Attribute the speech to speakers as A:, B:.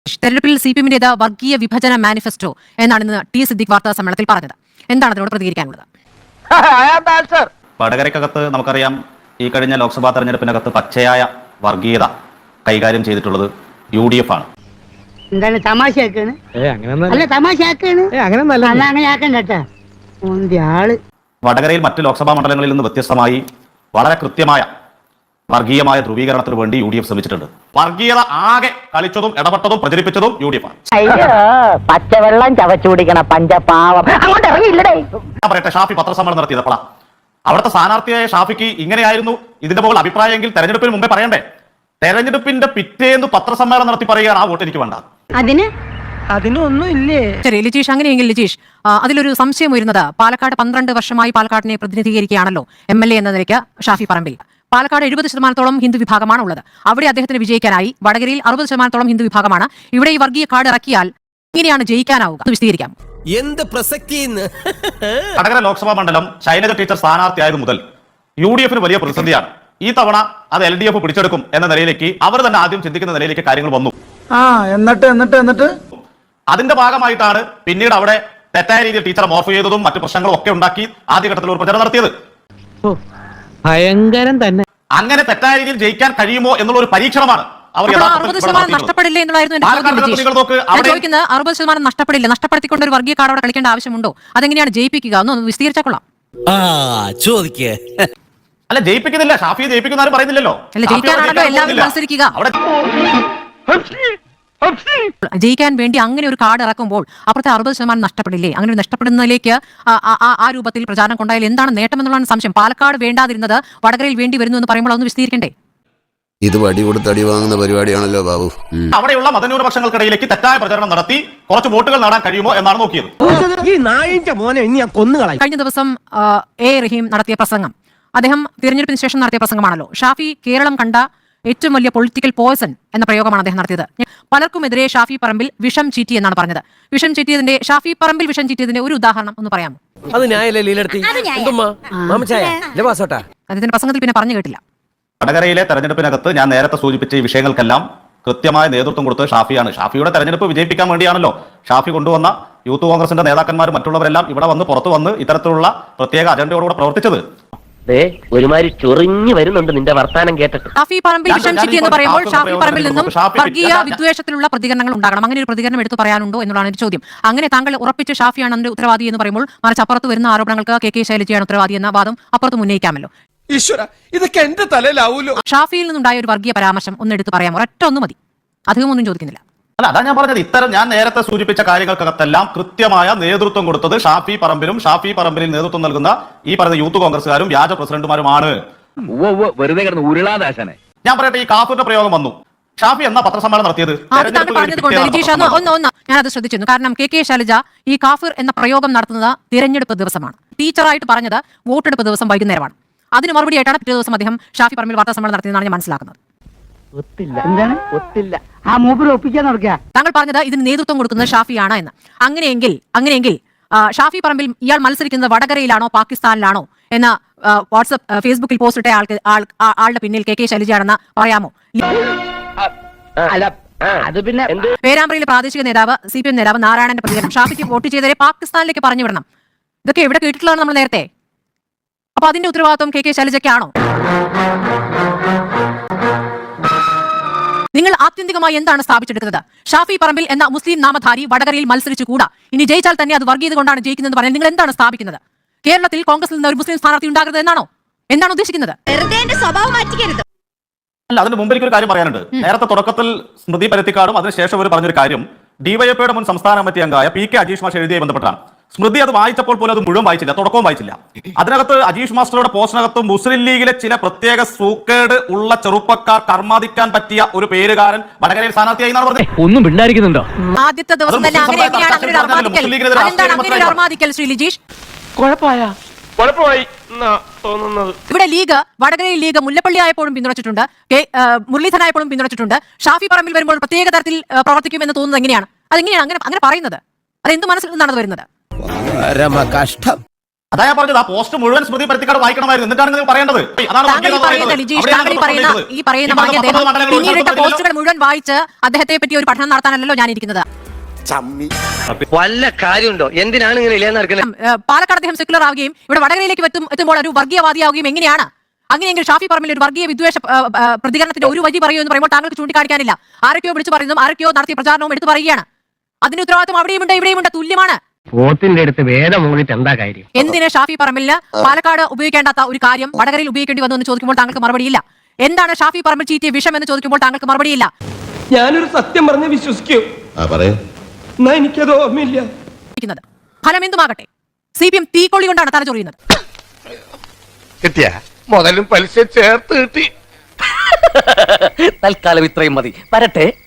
A: തെരഞ്ഞെടുപ്പിൽ CPM-ന്റേത് വർഗീയ വിഭജന മാനിഫെസ്റ്റോ എന്നാണ് ഇന്ന് ടി സിദ്ദിഖ് വാർത്താ സമ്മേളനത്തിൽ പറഞ്ഞത്. എന്താണ് അതിനോട് പ്രതികരിക്കാനുള്ളത്?
B: വടകരയ്ക്കകത്ത് നമുക്കറിയാം, ഈ കഴിഞ്ഞ ലോക്സഭാ തെരഞ്ഞെടുപ്പിനകത്ത് പച്ചയായ വർഗീയത കൈകാര്യം ചെയ്തിട്ടുള്ളത് UDF ആണ്.
C: എന്താണ് തമാശയാക്കാണ്? അല്ല തമാശയാക്കാണ്, അങ്ങനെ ആക്കണ്ട കേട്ടാ.
B: വടകരയിൽ മറ്റ് ലോക്സഭാ മണ്ഡലങ്ങളിൽ നിന്ന് വ്യത്യസ്തമായി വളരെ കൃത്യമായ വർഗീയമായ ധ്രുവീകരണത്തിന് വേണ്ടി UDF ശ്രമിച്ചിട്ടുണ്ട്. വർഗീയത ആകെ കളിച്ചതും ഇടപെട്ടതും പ്രചരിപ്പിച്ചതും UDF ആണ്.
C: പച്ചവെള്ളം ചവച്ചു കുടിക്കണ പഞ്ചപാവം അങ്ങോട്ട് ഇറങ്ങിയില്ലേ?
B: ഞാൻ പറയട്ടെ, ഷാഫി പത്രസമ്മേളനം നടത്തിയപ്പോഴാ അവിടുത്തെ സ്ഥാനാർത്ഥിയായ ഷാഫിക്ക് ഇങ്ങനെയായിരുന്നു ഇതിന്റെ മുകളിൽ അഭിപ്രായമെങ്കിൽ തെരഞ്ഞെടുപ്പിന് മുമ്പേ പറയണ്ടേ? തെരഞ്ഞെടുപ്പിന്റെ പിറ്റേന്ന് പത്രസമ്മേളനം നടത്തി പറയുകയാണ് ആ വോട്ട് എനിക്ക് വേണ്ട.
C: അതിനൊന്നും ഇല്ലേ?
A: ശരി ലിജീഷ്, അങ്ങനെയെങ്കിൽ ലിജീഷ്, അതിലൊരു സംശയം വരുന്നത്, പാലക്കാട് 12 വർഷമായി പാലക്കാടിനെ പ്രതിനിധീകരിക്കുകയാണല്ലോ MLA എന്ന നിലയ്ക്ക് ഷാഫി പറമ്പിൽ. പാലക്കാട് 70% ഹിന്ദു വിഭാഗമാണ് ഉള്ളത്. അവിടെ അദ്ദേഹത്തിന് വിജയിക്കാനായി. വടകരയിൽ 60% ഹിന്ദു വിഭാഗമാണ്. ഇവിടെ ഈ വർഗീയ കാർഡ് ഇറക്കിയാൽ ഇങ്ങനെയാണ് ജയിക്കാനാവുക. വിശദീകരിക്കാം.
D: എന്ത് പ്രസക്തി?
B: വടകര ലോക്സഭാ മണ്ഡലം ശൈലജ ടീച്ചർ സ്ഥാനാർത്ഥിയായത് മുതൽ UDF-ന് വലിയ പ്രതിസന്ധിയാണ്. ഈ തവണ അത് LDF പിടിച്ചെടുക്കും എന്ന നിലയിലേക്ക് അവർ തന്നെ ആദ്യം ചിന്തിക്കുന്ന നിലയിലേക്ക് കാര്യങ്ങൾ വന്നു.
E: എന്നിട്ട്
B: അതിന്റെ ഭാഗമായിട്ടാണ് പിന്നീട് അവിടെ തെറ്റായ രീതിയിൽ ടീച്ചറെ മോർഫ് ചെയ്തതും മറ്റു പ്രശ്നങ്ങളും ഒക്കെ ഉണ്ടാക്കി ആദ്യഘട്ടത്തിൽ ഒരു പ്രചരണം നടത്തിയത്.
E: ഭയങ്കരം തന്നെ.
B: അങ്ങനെ തെറ്റായ രീതിയിൽ ജയിക്കാൻ കഴിയുമോ എന്നുള്ള ഒരു പരീക്ഷണമാണ് അവർ.
A: 60% നഷ്ടപ്പെടില്ല എന്നുള്ളായിരുന്നു എന്റെ ചോദിക്കുന്നത്. 60% നഷ്ടപ്പെടില്ല. നഷ്ടപ്പെടുത്തിക്കൊണ്ട് ഒരു വർഗീയ കാർഡ് അവിടെ കളിക്കേണ്ട ആവശ്യമുണ്ടോ? അതെങ്ങനെയാണ് ജയിപ്പിക്കുക? ഒന്ന് വിശദീകരിച്ചാൽ
D: ചോദിക്കേ.
B: അല്ല, ജയിപ്പിക്കുന്നില്ല. ഷാഫിയെ ജയിപ്പിക്കുന്ന പറയുന്നില്ലല്ലോ.
A: ജയിക്കാനാണല്ലോ എല്ലാവരും മത്സരിക്കുക. ജയിക്കാൻ വേണ്ടി അങ്ങനെ ഒരു കാർഡ് ഇറക്കുമ്പോൾ അപ്പുറത്തെ 60% നഷ്ടപ്പെടില്ലേ? അങ്ങനെ നഷ്ടപ്പെടുന്നതിലേക്ക് ആ രൂപത്തിൽ പ്രചാരണം കൊണ്ടായാൽ എന്താണ് നേട്ടം എന്നുള്ളതാണ് സംശയം. പാലക്കാട് വേണ്ടാതിരുന്നത് വടകരയിൽ വേണ്ടി വരുന്നു എന്ന് പറയുമ്പോൾ ഒന്ന് വിശദീകരിക്കണ്ടേ?
F: ഇത് വടി കൊടുത്ത് അടി വാങ്ങുന്ന പരിപാടിയാണല്ലോ ബാബു.
B: അവിടെയുള്ള മതന്യൂനപക്ഷങ്ങൾക്കിടയിലേക്ക് തെറ്റായ പ്രചരണം നടത്തി കുറച്ച് വോട്ടുകൾ നേടാൻ കഴിയുമോ എന്നാണ് നോക്കിയത്.
A: കഴിഞ്ഞ ദിവസം A റഹീം നടത്തിയ പ്രസംഗം, അദ്ദേഹം തിരഞ്ഞെടുപ്പിന് ശേഷം നടത്തിയ പ്രസംഗമാണല്ലോ. ഷാഫി കേരളം കണ്ട ഏറ്റവും വലിയ പൊളിറ്റിക്കൽ പോയ്സൺ എന്ന പ്രയോഗമാണ് അദ്ദേഹം നടത്തിയത്. പലർക്കുമെതിരെ ഷാഫി പറമ്പിൽ വിഷം ചീറ്റി എന്നാണ് പറഞ്ഞത്. വിഷം ചീറ്റിയതിന്റെ, ഷാഫി പറമ്പിൽ വിഷം ചീറ്റിയതിന്റെ ഒരു ഉദാഹരണം ഒന്ന് പറയാമോ? അദ്ദേഹത്തിന്റെ പ്രസംഗത്തിൽ പിന്നെ പറഞ്ഞു കേട്ടില്ല.
B: വടകരയിലെ തെരഞ്ഞെടുപ്പിനകത്ത് ഞാൻ നേരത്തെ സൂചിപ്പിച്ച ഈ വിഷയങ്ങൾക്കെല്ലാം കൃത്യമായ നേതൃത്വം കൊടുത്തത് ഷാഫിയാണ്. ഷാഫിയുടെ തെരഞ്ഞെടുപ്പ് വിജയിപ്പിക്കാൻ വേണ്ടിയാണല്ലോ ഷാഫി കൊണ്ടുവന്ന യൂത്ത് കോൺഗ്രസിന്റെ നേതാക്കന്മാരും മറ്റുള്ളവരെല്ലാം ഇവിടെ വന്ന് പുറത്തു വന്ന് ഇത്തരത്തിലുള്ള പ്രത്യേക അജണ്ടയോടുകൂടെ പ്രവർത്തിച്ചത്.
G: ഒരുമാതിരി ചൊറിഞ്ഞു വരുന്നുണ്ട് നിന്റെ വർത്താനം കേട്ടിട്ട്.
A: ഷാഫി പറമ്പിൽ വിഷം ചീറ്റി എന്ന് പറയുമ്പോൾ ഷാഫി പറമ്പിൽ നിന്നും വർഗീയ വിദ്വേഷത്തിലുള്ള പ്രതികരണങ്ങൾ ഉണ്ടാകണം. അങ്ങനെ ഒരു പ്രതികരണം എടുത്തു പറയാനുണ്ടോ എന്നുള്ളതാണ് ഒരു ചോദ്യം. അങ്ങനെ താങ്കൾ ഉറപ്പിച്ച് ഷാഫിയാണ് അതിന്റെ ഉത്തരവാദി എന്ന് പറയുമ്പോൾ മറിച്ച് അപ്പുറത്ത് വരുന്ന ആരോപണങ്ങൾക്ക് KK ശൈലജയാണ് ഉത്തരവാദി എന്ന വാദം അപ്പുറത്ത് ഉന്നയിക്കാമല്ലോ.
D: ഇതൊക്കെ എന്റെ തലയിലാവൂലോ.
A: ഷാഫിയിൽ നിന്നുണ്ടായ ഒരു വർഗീയ പരാമർശം ഒന്ന് എടുത്ത് പറയാമോ? ഒരൊറ്റ ഒന്ന് മതി, അധികം ഒന്നും ചോദിക്കുന്നില്ല.
B: അല്ല, അതാ ഞാൻ പറഞ്ഞത്. ഇത്തരം ഞാൻ നേരത്തെ സൂചിപ്പിച്ച കാര്യങ്ങൾക്കകത്തെല്ലാം കൃത്യമായ നേതൃത്വം കൊടുത്തത് ഷാഫി പറമ്പിലും ഷാഫി പറമ്പിലിൽ നേതൃത്വം നൽകുന്ന ഈ പറയുന്ന യൂത്ത് കോൺഗ്രസ്സുകാരും വ്യാജ പ്രസിഡന്റുമാരുമാണ്.
G: വെറുതെ കിടന്ന് ഉരുളാദാശനെ.
B: ഞാൻ പറയട്ടെ, ഈ കാഫിറിന്റെ പ്രയോഗം വന്നു. ഷാഫി എന്നാ പത്രസമ്മേളനം നടത്തിയത്?
A: ഞാനത് ശ്രദ്ധിച്ചിരുന്നു. കാരണം KK ശൈലജ ഈ കാഫിർ എന്ന പ്രയോഗം നടത്തുന്നത് തിരഞ്ഞെടുപ്പ് ദിവസമാണ്. ടീച്ചറായിട്ട് പറഞ്ഞത് വോട്ടെടുപ്പ് ദിവസം വൈകുന്നേരമാണ്. അതിന് മറുപടി ആയിട്ടാണ് പിറ്റേ ദിവസം അദ്ദേഹം ഷാഫി പറമ്പിൽ വാർത്താ സമ്മേളനം നടത്തിയതെന്നാണ് ഞാൻ മനസ്സിലാക്കുന്നത്. താങ്കൾ പറഞ്ഞത് ഇതിന് നേതൃത്വം കൊടുക്കുന്നത് ഷാഫിയാണ് എന്ന്. അങ്ങനെയെങ്കിൽ ഷാഫി പറമ്പിൽ ഇയാൾ മത്സരിക്കുന്നത് വടകരയിലാണോ പാകിസ്ഥാനിലാണോ എന്ന ഫേസ്ബുക്കിൽ പോസ്റ്റ് ഇട്ട ആളുടെ പിന്നിൽ KK ശൈലജയാണെന്ന് പറയാമോ? പേരാമ്പ്രയിലെ പ്രാദേശിക നേതാവ് CPM നേതാവ് നാരായണന്റെ പ്രതികരണം, ഷാഫിക്ക് വോട്ട് ചെയ്തവരെ പാകിസ്ഥാനിലേക്ക് പറഞ്ഞു വിടണം. ഇതൊക്കെ എവിടെ കേട്ടിട്ടുള്ളതാണ് നമ്മൾ നേരത്തെ. അപ്പൊ അതിന്റെ ഉത്തരവാദിത്വം KK ശൈലജയ്ക്കാണോ? നിങ്ങൾ ആത്യന്തികമായി എന്താണ് സ്ഥാപിച്ചെടുക്കുന്നത്? ഷാഫി പറമ്പിൽ എന്ന മുസ്ലിം നാമധാരി വടകരയിൽ മത്സരിച്ചുകൂടാ, ഇനി ജയിച്ചാൽ തന്നെ അത് വർഗീയത കൊണ്ടാണ് ജയിക്കുന്നത് പറഞ്ഞാൽ നിങ്ങൾ എന്താണ് സ്ഥാപിക്കുന്നത്? കേരളത്തിൽ കോൺഗ്രസിൽ നിന്ന് ഒരു മുസ്ലിം സ്ഥാനാർത്ഥി ഉണ്ടാകരുത് എന്നാണോ? എന്താണ് ഉദ്ദേശിക്കുന്നത്?
B: അല്ല, അതിന് മുമ്പ് എനിക്കൊരു കാര്യം പറയാനുണ്ട്. നേരത്തെ തുടക്കത്തിൽ സ്മൃതി പരുത്തിക്കാടും അതിനുശേഷം അവർ പറഞ്ഞൊരു കാര്യം DYFIയുടെ മുൻ സംസ്ഥാന കമ്മിറ്റി അംഗമായ PK അജീഷ് മാസ്റ്റർ എഴുതിയ ബന്ധപ്പെട്ടാണ്. സ്മൃതി അത് വായിച്ചപ്പോൾ പോലും അത് മുഴുവൻ വായിച്ചില്ല, തുടക്കവും വായിച്ചില്ല. അതിനകത്ത് അജീഷ് മാസ്റ്ററുടെ പോസ്റ്റിനകത്ത് മുസ്ലിം ലീഗിലെ ചില പ്രത്യേക സൂക്കേട് ഉള്ള ചെറുപ്പക്കാർ കർമാദിക്കാൻ പറ്റിയ ഒരു പേരുകാരൻ വടകരയിൽ സ്ഥാനാർത്ഥിയായി എന്നാണ് പറഞ്ഞത്.
G: ഒന്നും പിണ്ടായിരിക്കുന്നുണ്ടോ?
A: ആദ്യത്തെ ദിവസം തന്നെ ശ്രീ ലിജീഷ് ഇവിടെ ലീഗ്, വടകരയിൽ ലീഗ് മുല്ലപ്പള്ളി ആയപ്പോഴും പിന്തുണച്ചിട്ടുണ്ട്, മുരളീധരനായപ്പോഴും പിന്തുണച്ചിട്ടുണ്ട്. ഷാഫി പറമ്പിൽ വരുമ്പോൾ പ്രത്യേക തരത്തിൽ പ്രവർത്തിക്കുമെന്ന് തോന്നുന്നത് എങ്ങനെയാണ്? അതെങ്ങനെയാണ് അങ്ങനെ പറയുന്നത്? അതെന്ത് മനസ്സിൽ നിന്നാണ് വരുന്നത്?
D: കഷ്ടം.
B: അതാ ഞാൻ പറഞ്ഞത്, ആ പോസ്റ്റ് മുഴുവൻ സ്മൃതി പരുത്തിക്കാട് വായിക്കണമായിരുന്നു, എന്നിട്ടാണ് നിങ്ങൾ പറയേണ്ടത്. അതാണ്
A: താങ്കൾ ഈ പറയുന്ന ലിജീഷ്, താങ്കൾ ഈ പറയുന്ന മാന്യ അദ്ദേഹം പിന്നീടിട്ട പോസ്റ്റുകൾ മുഴുവൻ വായിച്ച് അദ്ദേഹത്തെ പറ്റി ഒരു പഠനം നടത്താനല്ലോ ഞാൻ ഇരിക്കുന്നത്.
G: വല്ല കാര്യമുണ്ടോ? എന്തിനാണ് ഇങ്ങനെ ഇല്ലാന്ന് നടക്കുന്നത്?
A: പാലക്കാട് അദ്ദേഹം സെക്യുലർ ആവുകയും ഇവിടെ വടകരയിലേക്ക് എത്തുമ്പോൾ ഒരു വർഗീയവാദിയാവുകയും എങ്ങനെയാണ്? അങ്ങനെയെങ്കിൽ ഷാഫി പറമ്പിൽ ഒരു വർഗീയ വിദ്വേഷ പ്രതികരണത്തിന്റെ ഒരു വഴി പറയൂ എന്ന് പറയുമ്പോൾ താങ്കൾക്ക് ചൂണ്ടിക്കാണിക്കാനില്ല. ആരൊക്കെയോ വിളിച്ചു പറയുന്നതും ആരൊക്കെയോ നടത്തിയ പ്രചാരണവും എടുത്തു പറയുകയാണ്. അതിന് ഉത്തരവാദിത്വം അവിടെയുമുണ്ട് ഇവിടെയുമുണ്ട്, തുല്യമാണ്.
G: പോത്തിന്റെ അടുത്ത് വേദം മൂന്നിട്ട് എന്താ കാര്യം?
A: എന്തിന് ഷാഫി പറമ്പിലിന് പാലക്കാട് ഉപയോഗിക്കേണ്ടാത്ത ഒരു കാര്യം വടകരയിൽ ഉപയോഗിക്കേണ്ടി വന്നു എന്ന് ചോദിക്കുമ്പോൾ താങ്കൾക്ക് മറുപടിയില്ല. എന്താണ് ഷാഫി പറമ്പിൽ ചീറ്റിയ വിഷം എന്ന് ചോദിക്കുമ്പോൾ താങ്കൾക്ക് മറുപടിയില്ല.
H: ഞാനൊരു സത്യം പറഞ്ഞ് വിശ്വസിക്കൂ, എന്നാ എനിക്കത് ഓർമ്മയില്ല.
A: ഫലം എന്തുമാകട്ടെ, CPM തീക്കൊള്ളി കൊണ്ടാണ് തലചൊറിയുന്നത്.
D: കിട്ടിയ മുതലും പലിശ ചേർത്ത് കിട്ടി.
G: തൽക്കാലം ഇത്രയും മതി. വരട്ടെ.